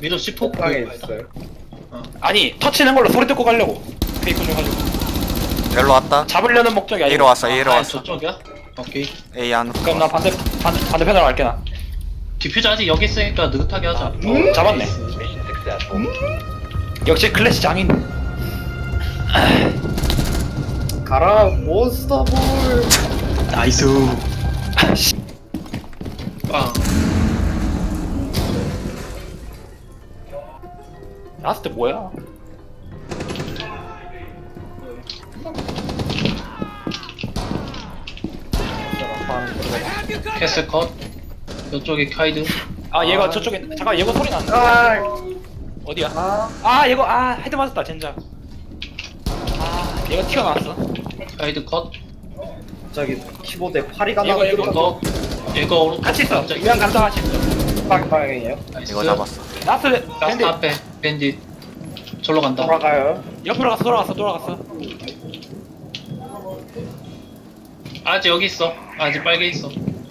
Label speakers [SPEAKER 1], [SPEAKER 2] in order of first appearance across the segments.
[SPEAKER 1] 위도 C4
[SPEAKER 2] 방에 있어요.
[SPEAKER 3] 아니 터치는 걸로 소리 듣고 가려고. 페이크 좀 가지고.
[SPEAKER 4] 열로 왔다.
[SPEAKER 3] 잡으려는 목적이 아니고.
[SPEAKER 4] A로 왔어. A로
[SPEAKER 1] 아,
[SPEAKER 4] 왔어.
[SPEAKER 1] 저쪽이야? 오케이.
[SPEAKER 4] A 안으로.
[SPEAKER 3] 그럼 나 반대편으로 갈게 나.
[SPEAKER 1] 디퓨저 아직 여기 있으니까 느긋하게 하자.
[SPEAKER 3] 잡았네. 역시 클래시 장인.
[SPEAKER 2] 가라 몬스터볼.
[SPEAKER 1] 나이스. 빵.
[SPEAKER 3] 나왔을 때 뭐야?
[SPEAKER 1] 캐슬 컷. 이쪽에 카이드.
[SPEAKER 3] 아 얘가 저쪽에 잠깐 얘가 소리 난다.
[SPEAKER 2] 아,
[SPEAKER 3] 어디야?
[SPEAKER 2] 아,
[SPEAKER 3] 아 얘가 헤드 맞았다 젠장. 아 얘가 튀어나왔어.
[SPEAKER 1] 카이드 컷.
[SPEAKER 2] 저기 키보드에 파리가
[SPEAKER 3] 이거,
[SPEAKER 2] 나고
[SPEAKER 3] 이거.
[SPEAKER 1] 얘가 오른쪽.
[SPEAKER 3] 같이 있어.
[SPEAKER 1] 갑자기.
[SPEAKER 3] 그냥 간다 같이 있어.
[SPEAKER 2] 방향이에요.
[SPEAKER 1] 나이스.
[SPEAKER 4] 이거 잡았어.
[SPEAKER 3] 라스트
[SPEAKER 1] 라스트
[SPEAKER 3] 밴드
[SPEAKER 1] 앞에 밴딧. 절로 간다.
[SPEAKER 2] 돌아가요.
[SPEAKER 3] 옆으로 돌아갔어.
[SPEAKER 1] 아직 여기 있어. 아직 빨개 있어.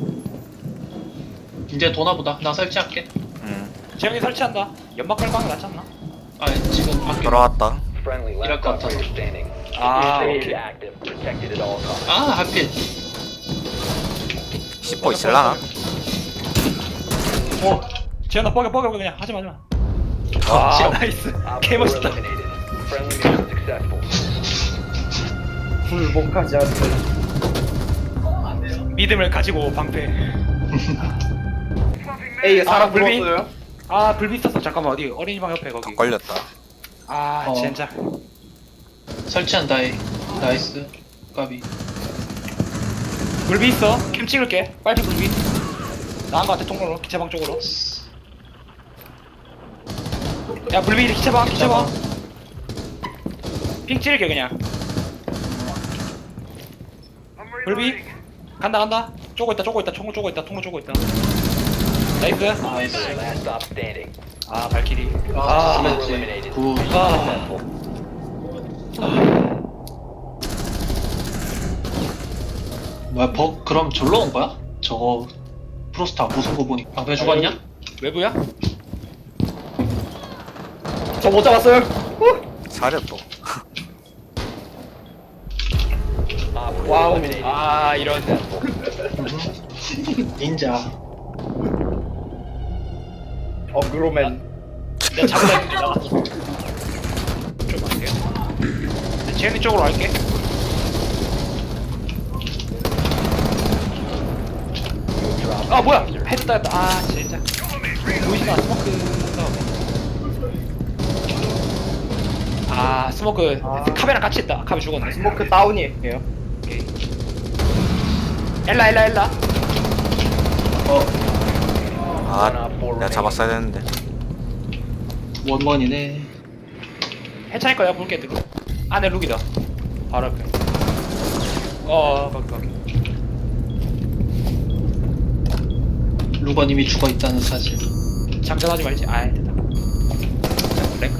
[SPEAKER 1] 이제 도나보다. 나 설치할게.
[SPEAKER 3] 재영이 설치한다. 연막 깔방이 낫지 않나?
[SPEAKER 1] 아 지금 밖에.
[SPEAKER 4] 돌아왔다.
[SPEAKER 1] 이럴 것 같아서.
[SPEAKER 3] 아 오케이.
[SPEAKER 1] 아 하필.
[SPEAKER 4] C4 있을라나?
[SPEAKER 3] 재영아 뻐겨 그냥 하지마.
[SPEAKER 1] 싫어.
[SPEAKER 3] 나이스. 개 멋있다.
[SPEAKER 2] 불복하지 않는.
[SPEAKER 3] 믿음을 가지고 방패.
[SPEAKER 2] 에이 사람
[SPEAKER 3] 불비?
[SPEAKER 2] 불었어요.
[SPEAKER 3] 아 불비 있었어. 잠깐만 어디 어린이방 옆에 거기.
[SPEAKER 4] 걸렸다.
[SPEAKER 3] 아
[SPEAKER 1] 어.
[SPEAKER 3] 진짜.
[SPEAKER 1] 설치한다. 나이스. 까비.
[SPEAKER 3] 불비 있어. 캠 찍을게. 빨리 불비. 나한 거 같아 통로로 기차방 쪽으로. 야 불비 기차방. 핑 찍을게 그냥. 불비 간다. 쪼고 있다. 통로 쪼고 있다. 나이스.
[SPEAKER 1] 나이스.
[SPEAKER 3] 아 발키리.
[SPEAKER 1] 아 그렇지. 굿. 뭐야 그럼 절로 온 거야? 저거 프로스타 무슨 거 보니 방패 죽었냐?
[SPEAKER 3] 외부야?
[SPEAKER 2] 저 못 잡았어요.
[SPEAKER 4] 사려 또.
[SPEAKER 2] 와우.
[SPEAKER 3] 아 이런.
[SPEAKER 1] 닌자.
[SPEAKER 2] 어그로맨.
[SPEAKER 3] 내가 잡으려 했는데 나갔어. 좀 갈게요. 제니 쪽으로 갈게. 아 뭐야? 헤드 따였다. 아 진짜. 보이지마 스모크. 아 스모크
[SPEAKER 2] 아.
[SPEAKER 3] 카베랑 같이 있다. 카베 죽었네.
[SPEAKER 2] 스모크 다운이에요.
[SPEAKER 3] 오케이. 엘라.
[SPEAKER 4] 아, 내가 잡았어야 되는데.
[SPEAKER 1] 원원이네.
[SPEAKER 3] 해차일 거야 볼게 들고. 내 룩이다. 바로 옆에. 거기.
[SPEAKER 1] 루건님이 죽어 있다는 사실.
[SPEAKER 3] 장전하지 말지. 아이 됐다. 랭크.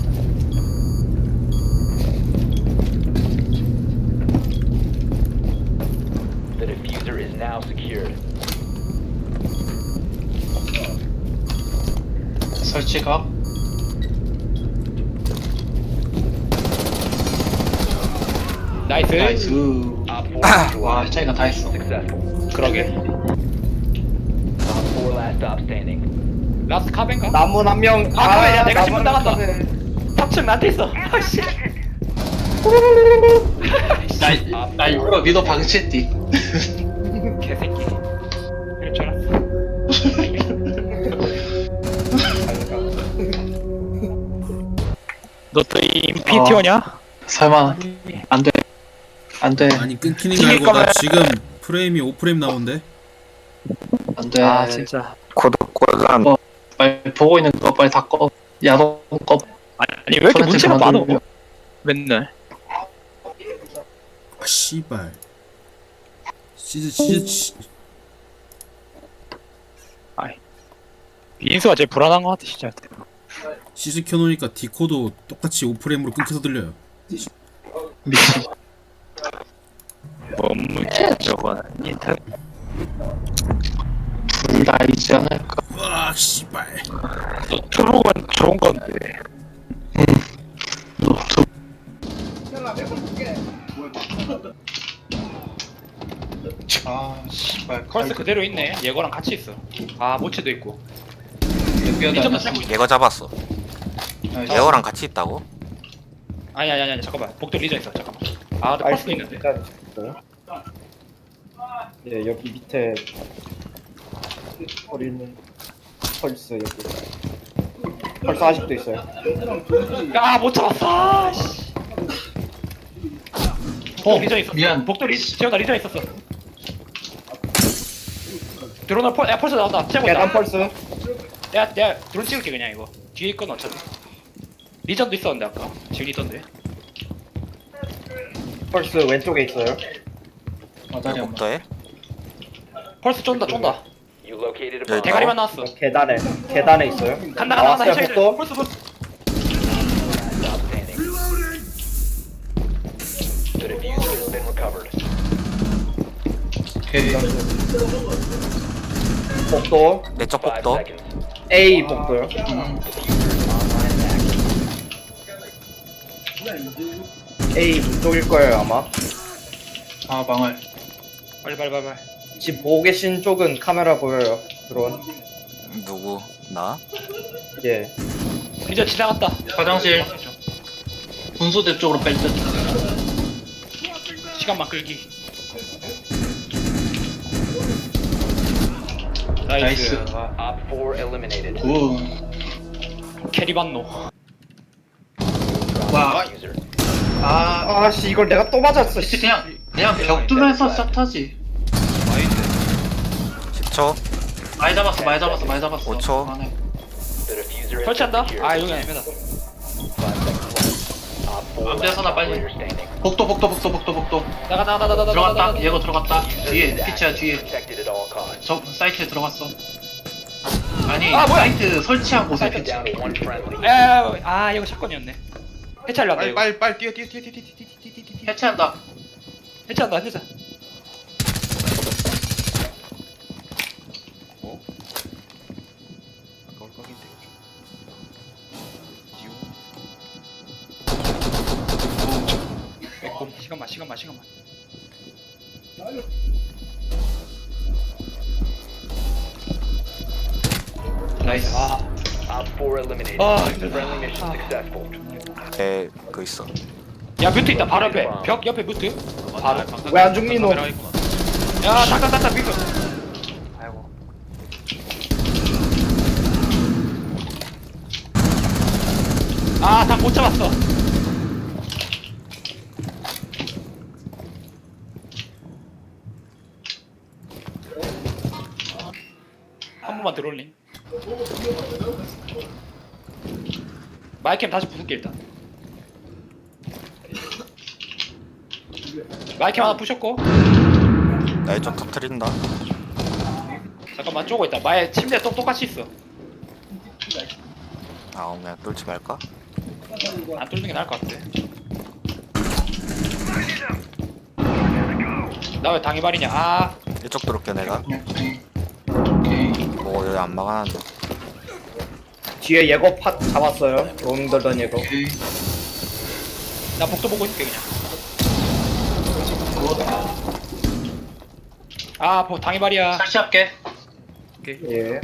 [SPEAKER 5] The diffuser is now secured.
[SPEAKER 1] 설치가.
[SPEAKER 3] 나이스.
[SPEAKER 1] 나이스.
[SPEAKER 5] Op 4
[SPEAKER 1] 와 차이가 다 했어.
[SPEAKER 5] successful.
[SPEAKER 3] 그러게.
[SPEAKER 5] Op 4 last stop standing.
[SPEAKER 3] 라스트 카벤가?
[SPEAKER 2] 남은 한 명.
[SPEAKER 3] 카벤이야. 내가 신문
[SPEAKER 2] 남은
[SPEAKER 3] 나간다.
[SPEAKER 2] 카벤.
[SPEAKER 3] 탑층 나한테 있어. 아씨.
[SPEAKER 1] 나 일부러 미도 방치했디.
[SPEAKER 3] 개새끼. 이럴 줄 알았어. 너 또 인피티어냐?
[SPEAKER 1] 설마 안돼. 안돼.
[SPEAKER 6] 아니 끊기는 게
[SPEAKER 3] 튕길
[SPEAKER 6] 아니고 나
[SPEAKER 3] 거면-
[SPEAKER 6] 지금 프레임이 5프레임 나오는데.
[SPEAKER 1] 안돼.
[SPEAKER 3] 진짜.
[SPEAKER 4] 고독고단.
[SPEAKER 1] 빨리 보고 있는 거 빨리 다 꺼. 야동 꺼.
[SPEAKER 3] 아니 왜 이렇게
[SPEAKER 1] 손한테
[SPEAKER 3] 문제가
[SPEAKER 1] 그만
[SPEAKER 3] 많어?
[SPEAKER 1] 돌려.
[SPEAKER 3] 맨날.
[SPEAKER 6] 아 씨발. 시즈
[SPEAKER 3] 인수가 제일 불안한 것 같아 진짜.
[SPEAKER 6] 시즈 켜놓으니까 디코도 똑같이 5프레임으로 끊겨서 들려요.
[SPEAKER 3] 미친. 뭔 문제 저거는 인터넷.
[SPEAKER 1] 둘 다 있지 않을까.
[SPEAKER 6] 와 씨발.
[SPEAKER 4] 초록은 좋은 건데.
[SPEAKER 1] 아 씨발
[SPEAKER 3] 컬스 그대로 있네. 예거랑 같이 있어. 아 모체도 있고.
[SPEAKER 1] 뼈다.
[SPEAKER 3] 리전도 살고 있어.
[SPEAKER 4] 얘가 잡았어. 얘거랑 같이 있다고?
[SPEAKER 3] 아니 잠깐만. 복도 리전 있어. 잠깐만. 아 근데 컬스도 있는데.
[SPEAKER 2] 일단 있어요. 예, 여기 밑에 버리는 펄스 여기. 펄스 아직도 있어요.
[SPEAKER 3] 아못 잡았어. 아, 씨. 리전 있었어.
[SPEAKER 1] 미안.
[SPEAKER 3] 복도 재현아 리전 있었어. 드론을 펄스 나온다. 째고
[SPEAKER 2] 계단
[SPEAKER 3] 있다.
[SPEAKER 2] 펄스.
[SPEAKER 3] 내가 드론 찍을게 그냥 이거. 뒤에 있건 어차피. 리전도 있었는데 아까. 지금 있던데.
[SPEAKER 2] 펄스 왼쪽에 있어요.
[SPEAKER 1] 마다리 엄마.
[SPEAKER 4] 복도에?
[SPEAKER 3] 펄스 쫀다.
[SPEAKER 5] You located a
[SPEAKER 4] Yeah,
[SPEAKER 5] bomb.
[SPEAKER 3] 대가리만 나왔어.
[SPEAKER 2] 계단에 있어요.
[SPEAKER 3] 간다.
[SPEAKER 2] 나왔어요,
[SPEAKER 3] 해줘야 돼.
[SPEAKER 2] 복도.
[SPEAKER 3] 펄스.
[SPEAKER 5] Stop standing. The diffuser has been recovered.
[SPEAKER 1] 오케이.
[SPEAKER 2] 복도.
[SPEAKER 4] 내적
[SPEAKER 5] 5
[SPEAKER 4] 복도?
[SPEAKER 5] seconds.
[SPEAKER 2] A 복도요.
[SPEAKER 5] Online and active.
[SPEAKER 2] A 문쪽일 거예요 아마.
[SPEAKER 1] 아 망할.
[SPEAKER 3] 빨리.
[SPEAKER 2] 지금 보고 계신 쪽은 카메라 보여요. 드론.
[SPEAKER 4] 누구? 나?
[SPEAKER 2] 예.
[SPEAKER 3] 리전 지나갔다.
[SPEAKER 1] 화장실. 분수대 쪽으로 뺄 듯.
[SPEAKER 3] 시간만 끌기.
[SPEAKER 1] 나이스.
[SPEAKER 3] 아,
[SPEAKER 5] Op 4 eliminated.
[SPEAKER 1] 우.
[SPEAKER 3] 캐리 반노.
[SPEAKER 1] 와.
[SPEAKER 5] Diffuser.
[SPEAKER 1] 아.
[SPEAKER 2] 아씨 이걸 내가 또 맞았어. 씨.
[SPEAKER 1] 그냥 벽 뚫면서 샷하지.
[SPEAKER 4] 10초?
[SPEAKER 1] 많이 잡았어.
[SPEAKER 4] 5초.
[SPEAKER 1] 그만해.
[SPEAKER 5] The diffuser has been
[SPEAKER 3] 설치한다?
[SPEAKER 5] secured.
[SPEAKER 3] 아 여기 아닙니다.
[SPEAKER 5] 5 seconds left. Op 4
[SPEAKER 1] 아무 데서나 빨리.
[SPEAKER 5] operator standing.
[SPEAKER 1] 복도.
[SPEAKER 3] 나가.
[SPEAKER 1] 들어갔다. 얘가 들어갔다. 뒤에 피치야 뒤에.
[SPEAKER 5] Protected at all costs.
[SPEAKER 1] 저 사이트에 들어갔어. 아니
[SPEAKER 3] 아, 뭐야?
[SPEAKER 1] 사이트 설치한 곳에 피치.
[SPEAKER 5] Down to one friendly.
[SPEAKER 3] 아 이거 샷건이었네. 해체하려 한다 이거.
[SPEAKER 1] 빨리 뛰어. 해체한다.
[SPEAKER 3] 해체한다. 시간만.
[SPEAKER 1] 나이스.
[SPEAKER 3] 아,
[SPEAKER 5] Op 4 eliminated.
[SPEAKER 3] 아,
[SPEAKER 5] Friendly mission successful.
[SPEAKER 4] 에, 그 있어.
[SPEAKER 3] 야 뮤트 있다. 바로 옆에. 벽 옆에 뮤트. 바로.
[SPEAKER 2] 왜 안 죽니 너?
[SPEAKER 3] 야 잠깐 뮤트. 아이고. 다 못 잡았어. 한 번만 들어올림. 마이캠 다시 부술게 일단. 마이캠 하나 부셨고.
[SPEAKER 4] 나이 좀 터트린다.
[SPEAKER 3] 잠깐만 쪼고 있다. 마의 침대 똑같이 있어.
[SPEAKER 4] 아, 그냥 뚫지 말까?
[SPEAKER 3] 안 뚫는 게 나을 것 같아. 나 왜 당해발이냐? 아,
[SPEAKER 4] 이쪽 들어올게 내가.
[SPEAKER 1] 오케이.
[SPEAKER 4] 뭐 여기 안 막아놨네.
[SPEAKER 2] 뒤에 예거 팟 잡았어요. 롱 들던 예거.
[SPEAKER 1] 오케이.
[SPEAKER 3] 나 복도 보고 있을게 그냥. 아, 당해발이야.
[SPEAKER 1] 설치할게.
[SPEAKER 2] 예.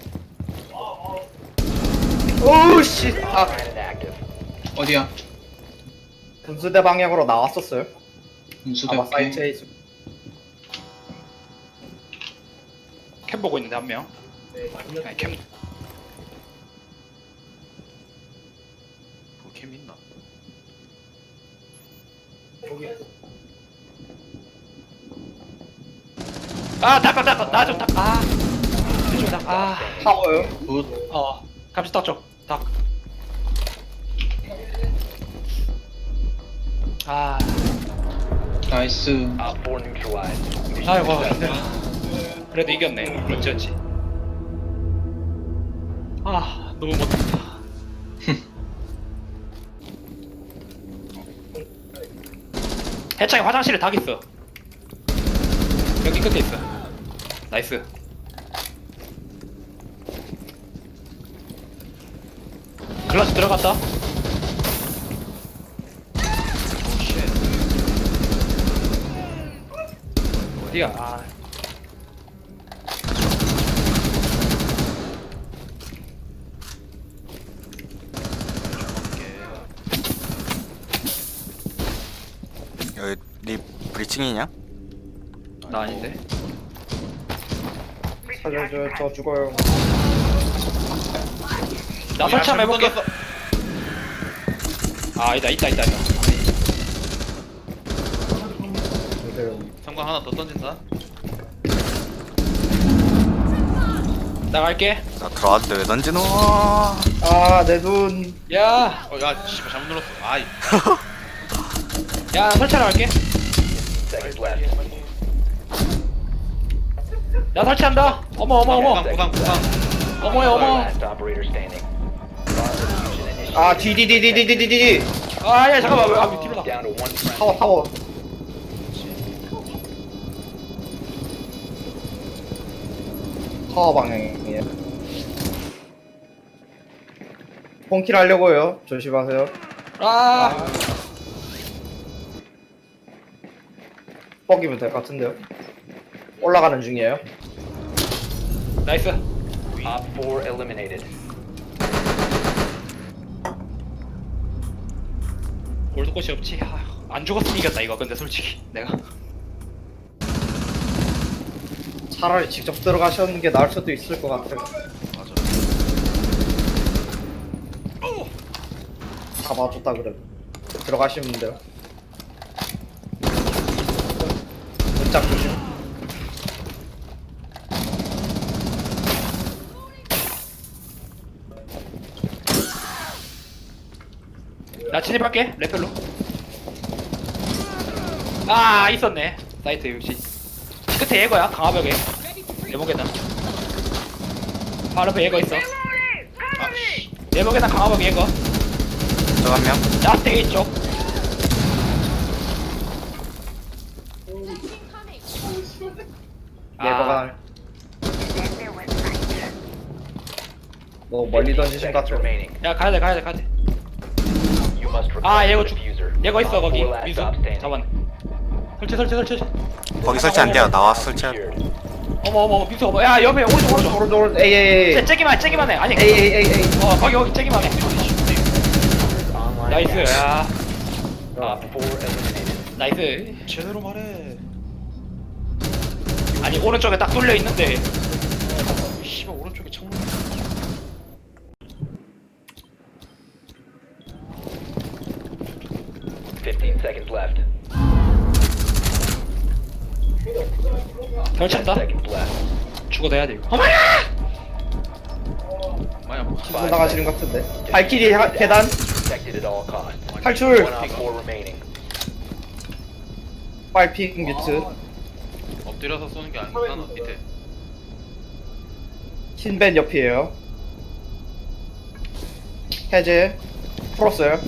[SPEAKER 2] 오우 씨. 아
[SPEAKER 5] And active.
[SPEAKER 1] 어디야?
[SPEAKER 2] 분수대 방향으로 나왔었어요.
[SPEAKER 1] 분수대.
[SPEAKER 2] 아마
[SPEAKER 1] 오케이.
[SPEAKER 2] 사이트에 있을.
[SPEAKER 3] 캠 보고 있는데 한 명. 아니, 캠.
[SPEAKER 4] 캠 있나?
[SPEAKER 3] 아, 나 좀 닦아. 아, 좀 닦아. 아,
[SPEAKER 2] 타워요.
[SPEAKER 1] 굿.
[SPEAKER 3] 감시 닦죠. 닦. 아,
[SPEAKER 1] 나이스.
[SPEAKER 5] Op 4 neutralized. Mission
[SPEAKER 3] 아이고
[SPEAKER 5] successful.
[SPEAKER 3] 힘들어. 그래도 이겼네. 어찌. 아, 너무 못했다. 해창이 화장실에 닭 있어. 여기 끝에 있어. 나이스. 글라스 들어갔다. 어디야? 아.
[SPEAKER 4] 여기 니 브리칭이냐?
[SPEAKER 3] 나 아닌데.
[SPEAKER 2] 살려줘요. 저 죽어요.
[SPEAKER 3] 나 설치 한번 해볼게. 아, 있다.
[SPEAKER 7] 성광 하나 더 던진다.
[SPEAKER 3] 나갈게.
[SPEAKER 4] 나 들어왔는데 왜 던지노?
[SPEAKER 2] 아, 내 눈.
[SPEAKER 3] 야,
[SPEAKER 7] 야, 씨발 잘못 눌렀어. 아이.
[SPEAKER 3] 야, 설치하러 갈게.
[SPEAKER 5] Seconds left.
[SPEAKER 3] 나 설치한다. 어머.
[SPEAKER 7] 구강.
[SPEAKER 3] 어머야, 어머.
[SPEAKER 5] Last operator standing. Bomb diffusion initiated.
[SPEAKER 2] 아, 디디디디디디디디.
[SPEAKER 3] 아, 야, 잠깐만. 아, 뒤로 나.
[SPEAKER 5] Down to one friendly.
[SPEAKER 2] 타워. 타워 방향이에요. 폰킬 하려고요. 조심하세요.
[SPEAKER 3] 아,
[SPEAKER 2] 뻑이면 될 것 같은데요. 올라가는 중이에요.
[SPEAKER 3] 나이스.
[SPEAKER 5] Op 4 eliminated.
[SPEAKER 3] 골드꽃이 없지. 아, 안 죽었으면 이겼다 이거. 근데 솔직히 내가.
[SPEAKER 2] 차라리 직접 들어가시는 게 나을 수도 있을 것 같아요.
[SPEAKER 7] 맞아.
[SPEAKER 2] 잡아줬다 그래. 들어가시면 돼요. 문짝 조심.
[SPEAKER 3] 나 진입할게. 레펠로. 아, 있었네. 사이트 역시. 끝에 예거야. 강화벽에. 예목에다. 바로 앞에 예거 있어. 예목에다 강화벽 예거.
[SPEAKER 4] 저 한 명?
[SPEAKER 3] 야스테이 쪽.
[SPEAKER 2] 예거가 뭐 멀리 던지신 것
[SPEAKER 5] Seconds
[SPEAKER 2] 같아요.
[SPEAKER 5] remaining.
[SPEAKER 3] 야, 가야돼.
[SPEAKER 5] You must
[SPEAKER 3] 아,
[SPEAKER 5] recover
[SPEAKER 3] 예거
[SPEAKER 5] the
[SPEAKER 3] 쭉.
[SPEAKER 5] diffuser.
[SPEAKER 3] 예거 있어,
[SPEAKER 5] Op
[SPEAKER 3] 거기.
[SPEAKER 5] 4 last
[SPEAKER 3] 미수.
[SPEAKER 5] stop standing.
[SPEAKER 3] 잡았네. 설치.
[SPEAKER 4] 거기 설치 안 돼요. 나와 설치해.
[SPEAKER 5] Secured.
[SPEAKER 3] 어머, 미수 어머. 야, 옆에 오른쪽.
[SPEAKER 2] 오른쪽 에이
[SPEAKER 3] 진짜 째기만 해. 아니.
[SPEAKER 2] 에이.
[SPEAKER 3] 거기 째기만 해.
[SPEAKER 5] Online
[SPEAKER 3] 나이스.
[SPEAKER 5] gas.
[SPEAKER 3] 야,
[SPEAKER 5] Op 4 eliminated.
[SPEAKER 3] 나이스.
[SPEAKER 7] 제대로 말해.
[SPEAKER 3] 아니, 오른쪽에 딱 뚫려 있는데.
[SPEAKER 7] 씨발 오른쪽에 창문.
[SPEAKER 5] 15 seconds left.
[SPEAKER 3] 결쳤다.
[SPEAKER 5] Seconds left.
[SPEAKER 3] 죽어도 해야 돼 이거. 어머야!
[SPEAKER 7] 마야 뭐.
[SPEAKER 2] 기분 나가시는 것 같은데. 발키리 계단.
[SPEAKER 5] Protected at all costs.
[SPEAKER 2] 탈출.
[SPEAKER 5] One Op 4 remaining.
[SPEAKER 2] 빨핑 뮤트.
[SPEAKER 7] 엎드려서 쏘는 게 아니구나. 너 밑에.
[SPEAKER 2] 흰벤 옆이에요. 해제. 풀었어요.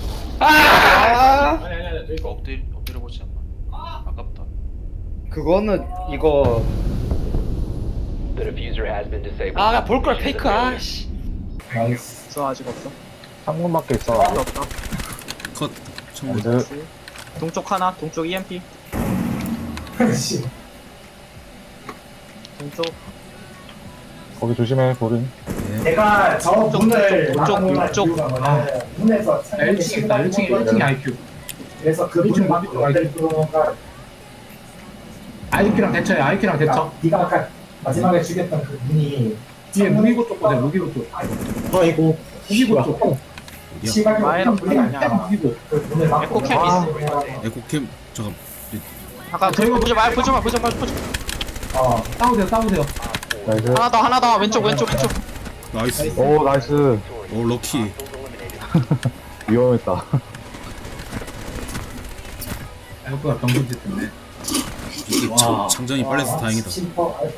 [SPEAKER 2] 아!
[SPEAKER 7] 이거 엎드려 보지 않나. 아깝다.
[SPEAKER 2] 그거는 이거
[SPEAKER 5] The diffuser has been disabled.
[SPEAKER 3] 아, 볼 걸
[SPEAKER 5] Diffuser
[SPEAKER 3] 페이크.
[SPEAKER 5] failure.
[SPEAKER 3] 아씨.
[SPEAKER 8] 있어 아직 없어. 창문 밖에 있어. 없다.
[SPEAKER 6] 컷. 창문.
[SPEAKER 8] 동쪽 하나, 동쪽 EMP. 동쪽.
[SPEAKER 9] 거기 조심해, 보린.
[SPEAKER 10] 제가 저 문을
[SPEAKER 8] 이쪽.
[SPEAKER 10] 문에서
[SPEAKER 8] 1층 있다. 1층이 IQ.
[SPEAKER 10] 그래서 그 문을 막고 어딜 들어오는가
[SPEAKER 8] IQ랑 대처해. IQ랑 대처.
[SPEAKER 10] 네가 아까 마지막에 죽였던 그 문이
[SPEAKER 8] 뒤에 무기고 쪽 보세요. 무기고 쪽.
[SPEAKER 10] 아이고
[SPEAKER 8] 무기고 쪽.
[SPEAKER 6] 어디야?
[SPEAKER 10] 시발
[SPEAKER 8] 마이너 분이 아니야. 무기고.
[SPEAKER 10] 그 문을 막고
[SPEAKER 8] 에코캠
[SPEAKER 6] 에코캠 잠깐.
[SPEAKER 8] 잠깐 저희가 보지 마. 싸우세요.
[SPEAKER 9] 나이스.
[SPEAKER 8] 하나 더. 왼쪽.
[SPEAKER 6] 나이스.
[SPEAKER 9] 오, 나이스.
[SPEAKER 6] 오 럭키.
[SPEAKER 9] 위험했다.
[SPEAKER 8] 에코가 병분짓 때문에.
[SPEAKER 6] 이게
[SPEAKER 8] 와.
[SPEAKER 6] 장전이 빨라서 다행이다.
[SPEAKER 10] 심퍼